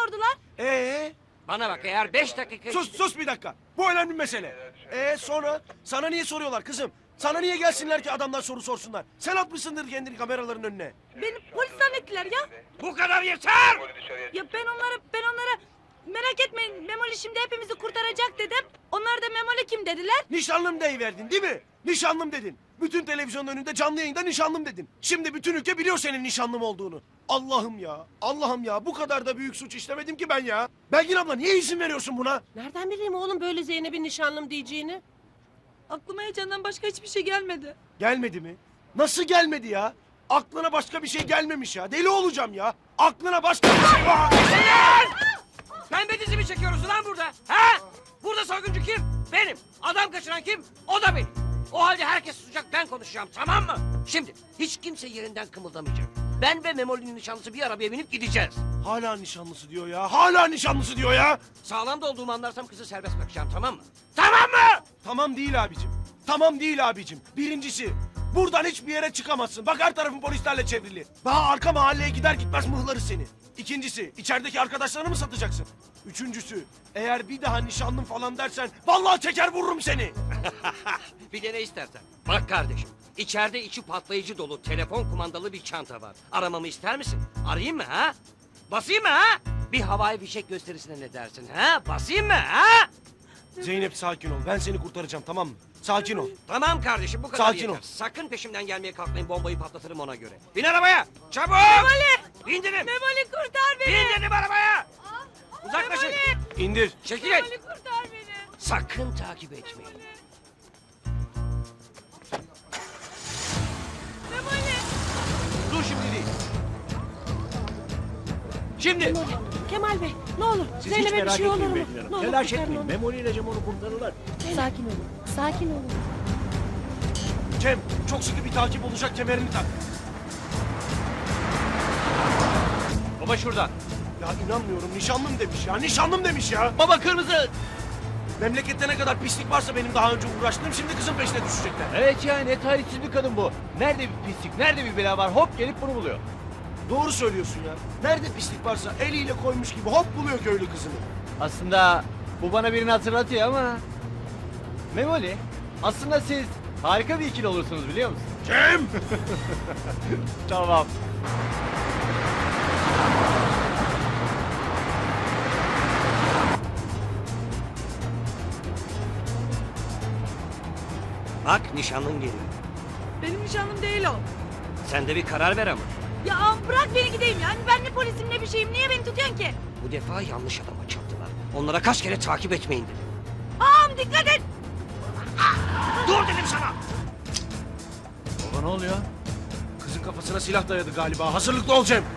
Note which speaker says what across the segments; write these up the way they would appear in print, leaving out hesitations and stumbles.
Speaker 1: sordular.
Speaker 2: Bana bak, eğer 5 dakika...
Speaker 3: Sus bir dakika. Bu önemli mesele. Sonra sana niye soruyorlar kızım? Sana niye gelsinler ki adamlar soru sorsunlar? Sen atmışsındır kendini kameraların önüne.
Speaker 1: Beni polis zannettiler ya.
Speaker 2: Bu kadar yeter!
Speaker 1: Ya ben onlara merak etmeyin Memoli şimdi hepimizi kurtaracak dedim. Onlar da Memoli kim dediler.
Speaker 3: Nişanlım deyiverdin değil mi? Nişanlım dedin. Bütün televizyonun önünde canlı yayında nişanlım dedin. Şimdi bütün ülke biliyor senin nişanlım olduğunu. Allah'ım ya, Allah'ım ya. Bu kadar da büyük suç işlemedim ki ben ya. Belgin abla niye izin veriyorsun buna?
Speaker 4: Nereden bileyim oğlum böyle Zeynep'in nişanlım diyeceğini?
Speaker 1: Aklıma heyecandan başka hiçbir şey gelmedi.
Speaker 3: Gelmedi mi? Nasıl gelmedi ya? Aklına başka bir şey gelmemiş ya. Deli olacağım ya. Aklına başka bir şey var.
Speaker 2: Pembe dizi mi çekiyoruz lan burada? Ha? Burada soyguncu kim? Benim. Adam kaçıran kim? O da benim. O halde herkes susacak, ben konuşacağım, tamam mı? Şimdi hiç kimse yerinden kımıldamayacak. Ben ve Memoli'nin nişanlısı bir arabaya binip gideceğiz.
Speaker 3: Hala nişanlısı diyor ya. Hala nişanlısı diyor ya.
Speaker 2: Sağlam da olduğumu anlarsam kızı serbest bırakacağım, tamam mı? Tamam mı?
Speaker 3: Tamam değil abicim. Tamam değil abicim. Birincisi, buradan hiçbir yere çıkamazsın. Bak her tarafın polislerle çevrili. Daha arka mahalleye gider gitmez mıhlarız seni. İkincisi, içerideki arkadaşlarını mı satacaksın? Üçüncüsü, eğer bir daha nişanlım falan dersen vallahi çeker vururum seni.
Speaker 2: Bir de ne istersen. Bak kardeşim, içeride içi patlayıcı dolu telefon kumandalı bir çanta var. Aramamı ister misin? Arayayım mı ha? Basayım mı ha? Bir havai fişek gösterisine ne dersin ha? Basayım mı ha?
Speaker 3: Zeynep sakin ol. Ben seni kurtaracağım tamam mı? Sakin ol.
Speaker 2: Tamam kardeşim, bu kadar
Speaker 3: Sakin
Speaker 2: yeter.
Speaker 3: ol.
Speaker 2: Sakın peşimden gelmeye kalkmayın, bombayı patlatırım ona göre. Bin arabaya! Çabuk! Memoli! İndirin!
Speaker 1: Memoli kurtar beni.
Speaker 2: İndirin arabaya! Uzaklaşın!
Speaker 3: İndir.
Speaker 2: Çekilin!
Speaker 1: Memoli kurtar beni.
Speaker 2: Sakın takip etmeyin.
Speaker 1: Memoli.
Speaker 3: Dur şimdi değil. Şimdi.
Speaker 4: Kemal Bey ne olur Zeynep'e bir şey olur mu? Ne olur
Speaker 5: Telaş
Speaker 4: kurtarın
Speaker 5: etmeyin.
Speaker 4: onu.
Speaker 5: Memoli ile Cem onu kurtarırlar.
Speaker 6: Sakin olun. Sakin olun.
Speaker 3: Cem çok sıkı bir takip olacak, kemerini tak.
Speaker 5: Baba şurada.
Speaker 3: Ya inanmıyorum, nişanlım demiş ya. Nişanlım demiş ya.
Speaker 5: Baba kırmızı.
Speaker 3: Memlekette ne kadar pislik varsa benim daha önce uğraştığım, şimdi kızın peşine düşecekler.
Speaker 5: Evet ya, ne talihsiz bir kadın bu. Nerede bir pislik, nerede bir bela var, hop gelip bunu buluyor.
Speaker 3: Doğru söylüyorsun ya. Nerede pislik varsa eliyle koymuş gibi hop buluyor köylü kızını.
Speaker 5: Aslında bu bana birini hatırlatıyor ama... Memoli, aslında siz harika bir ikili olursunuz biliyor musun?
Speaker 3: Cem!
Speaker 5: Tamam.
Speaker 2: Bak, nişanlın geliyor.
Speaker 1: Benim nişanlım değil o.
Speaker 2: Sen de bir karar ver ama.
Speaker 1: Ya bırak beni gideyim yani ben ne polisim ne bir şeyim. Niye beni tutuyorsun ki?
Speaker 2: Bu defa yanlış adama çarptılar. Onlara kaç kere takip etmeyin dedim.
Speaker 1: Ağam dikkat et.
Speaker 2: Dur dedim sana!
Speaker 5: Baba ne oluyor?
Speaker 3: Kızın kafasına silah dayadı galiba. Hazırlıklı ol Cem.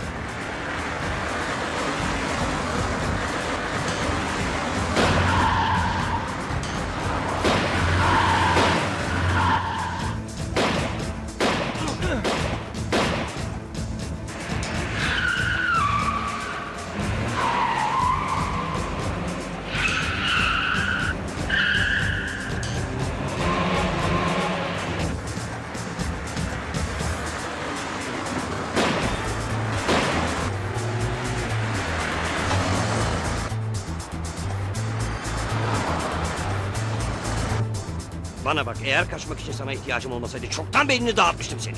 Speaker 2: Bana bak, eğer kaçmak için sana ihtiyacım olmasaydı çoktan beynini dağıtmıştım seni.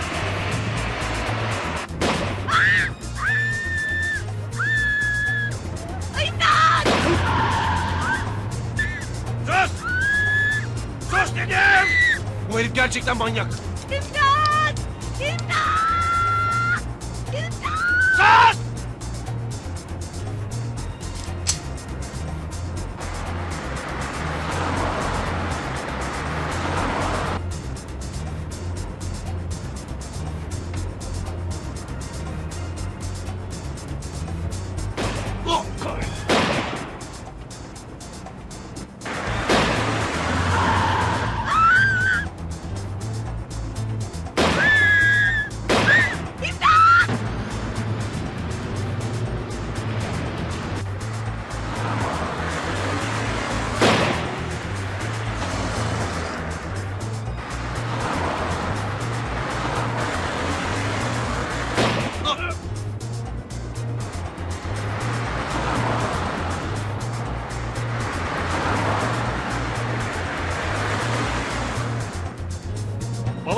Speaker 2: Sus! Sus dedim!
Speaker 3: Bu herif gerçekten manyak.
Speaker 1: İmdat! İmdat! İmdat!
Speaker 2: Sus!
Speaker 3: Oh, kahretsin.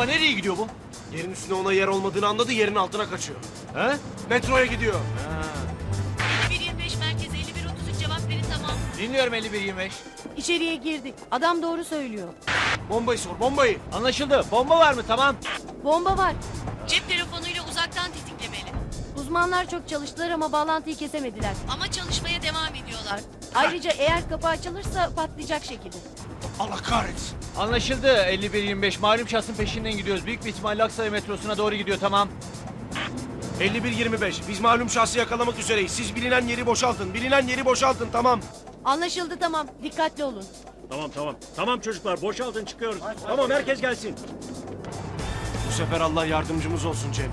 Speaker 5: Baba nereye gidiyor bu?
Speaker 3: Yerin üstüne ona yer olmadığını anladı, yerin altına kaçıyor.
Speaker 5: He?
Speaker 3: Metroya gidiyor.
Speaker 6: 5125 merkez 5133 cevap verin tamam.
Speaker 5: Dinliyorum 51-25.
Speaker 4: İçeriye girdik. Adam doğru söylüyor.
Speaker 3: Bombayı sor, bombayı.
Speaker 5: Anlaşıldı. Bomba var mı? Tamam.
Speaker 4: Bomba var.
Speaker 6: Cep telefonuyla uzaktan tetiklemeli.
Speaker 4: Uzmanlar çok çalıştılar ama bağlantıyı kesemediler.
Speaker 6: Ama çalışmaya devam ediyorlar.
Speaker 4: Ayrıca eğer kapı açılırsa patlayacak şekilde.
Speaker 3: Allah kahretsin.
Speaker 5: Anlaşıldı 51-25. Malum şahsın peşinden gidiyoruz. Büyük bir ihtimalle Aksaray metrosuna doğru gidiyor. Tamam.
Speaker 3: 51-25. Biz malum şahsı yakalamak üzereyiz. Siz bilinen yeri boşaltın. Bilinen yeri boşaltın, tamam.
Speaker 4: Anlaşıldı tamam. Dikkatli olun.
Speaker 7: Tamam. Tamam çocuklar boşaltın çıkıyoruz. Tamam herkes gelsin.
Speaker 3: Bu sefer Allah yardımcımız olsun Cem.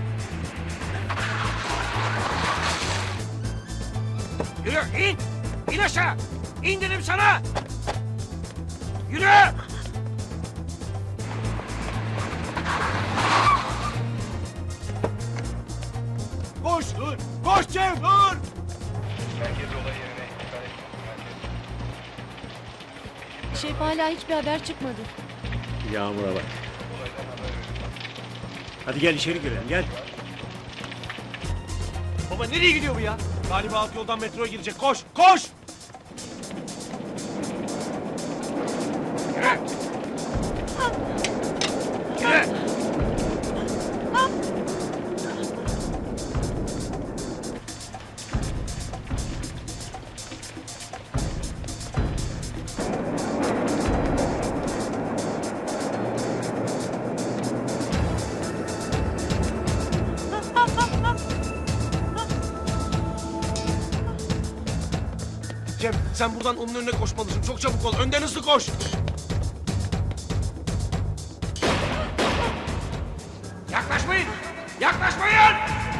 Speaker 2: Yürü in. İn aşağı. İn dedim sana. Yürü.
Speaker 3: Koş, dur. Koş Cem, dur.
Speaker 4: Şef hala hiçbir haber çıkmadı.
Speaker 7: Yağmur'a bak. Hadi gel içeri girelim gel.
Speaker 5: Baba nereye gidiyor bu ya?
Speaker 3: Galiba alt yoldan metroya girecek. Koş, koş.
Speaker 2: Yürü. Yürü.
Speaker 3: Cem, sen buradan onun önüne koşmalısın. Çok çabuk ol. Önden hızlı koş.
Speaker 2: Yaklaşmayın. Yaklaşmayın.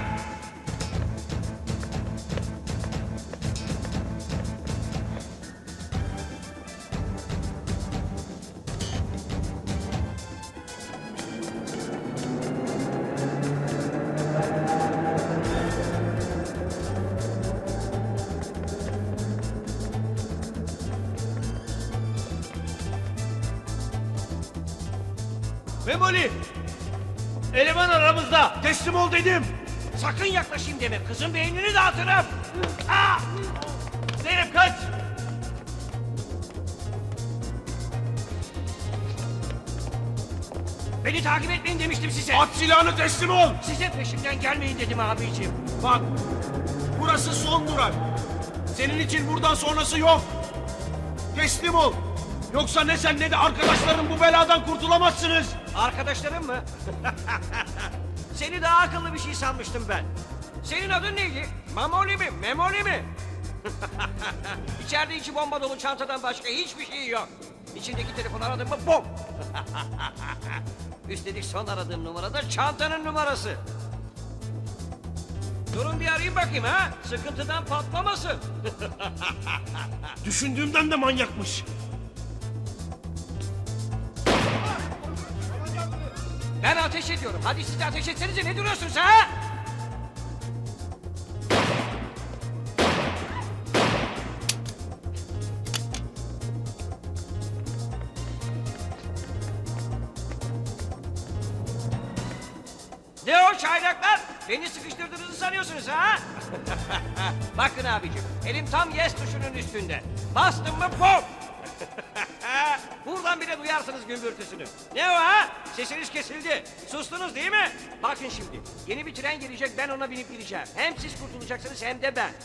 Speaker 5: Memoli! Eleman aramızda.
Speaker 3: Teslim ol dedim.
Speaker 2: Sakın yaklaşayım deme. Kızın beynini dağıtırım. Ah!
Speaker 5: Zeynep kaç!
Speaker 2: Beni takip etmeyin demiştim size.
Speaker 3: At silahını, teslim ol.
Speaker 2: Size peşimden gelmeyin dedim abiciğim.
Speaker 3: Bak, burası son durak. Senin için buradan sonrası yok. Teslim ol. Yoksa ne sen ne de arkadaşların bu beladan kurtulamazsınız.
Speaker 2: Arkadaşlarım mı? Seni daha akıllı bir şey sanmıştım ben. Senin adın neydi? Mamoli mi? Memoli mi? İçeride içi bomba dolu çantadan başka hiçbir şey yok. İçindeki telefonu aradın mı bom. Üstelik son aradığım numara da çantanın numarası. Durun bir arayayım bakayım ha. Sıkıntıdan patlamasın.
Speaker 3: Düşündüğümden de manyakmış.
Speaker 2: Ben ateş ediyorum. Hadi siz de ateş etsenize, ne duruyorsunuz ha? Ne o çaylaklar? Beni sıkıştırdığınızı sanıyorsunuz ha? Bakın abicim, elim tam yes tuşunun üstünde. Bastım mı pop! Buradan bile duyarsınız gümbürtüsünü. Ne o ha? Sesiniz kesildi. Sustunuz değil mi? Bakın şimdi, yeni bir tren gelecek, ben ona binip gideceğim. Hem siz kurtulacaksınız hem de ben.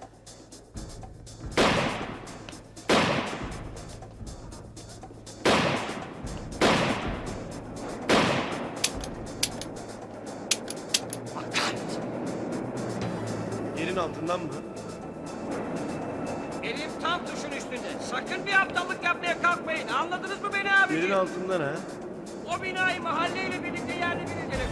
Speaker 2: Bak kahretsin.
Speaker 3: Yerin altından mı?
Speaker 2: Elim tam tuşun üstünde. Sakın bir aptallık yapmaya kalkmayın. Anladınız mı beni abiciğim?
Speaker 3: Yerin altından ha?
Speaker 2: O binayı mahalleyle birlikte yerle bir edelim.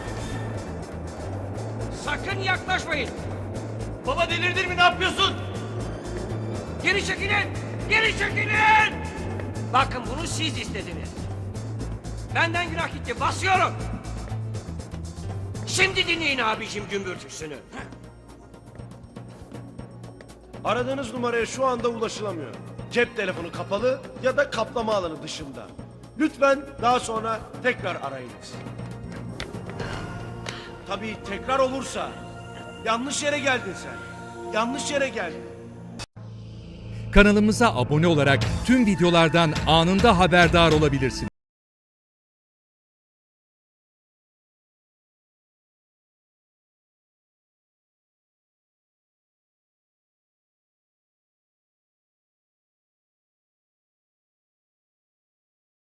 Speaker 2: Sakın yaklaşmayın.
Speaker 5: Baba delirdin mi? Ne yapıyorsun?
Speaker 2: Geri çekilin! Geri çekilin! Bakın bunu siz istediniz. Benden günah gitti. Basıyorum. Şimdi dinleyin abicim gümbürtüsünü.
Speaker 3: Aradığınız numaraya şu anda ulaşılamıyor. Cep telefonu kapalı ya da kaplama alanı dışında. Lütfen daha sonra tekrar arayınız. Tabii tekrar olursa yanlış yere geldin sen. Yanlış yere geldin.
Speaker 8: Kanalımıza abone olarak tüm videolardan anında haberdar olabilirsiniz.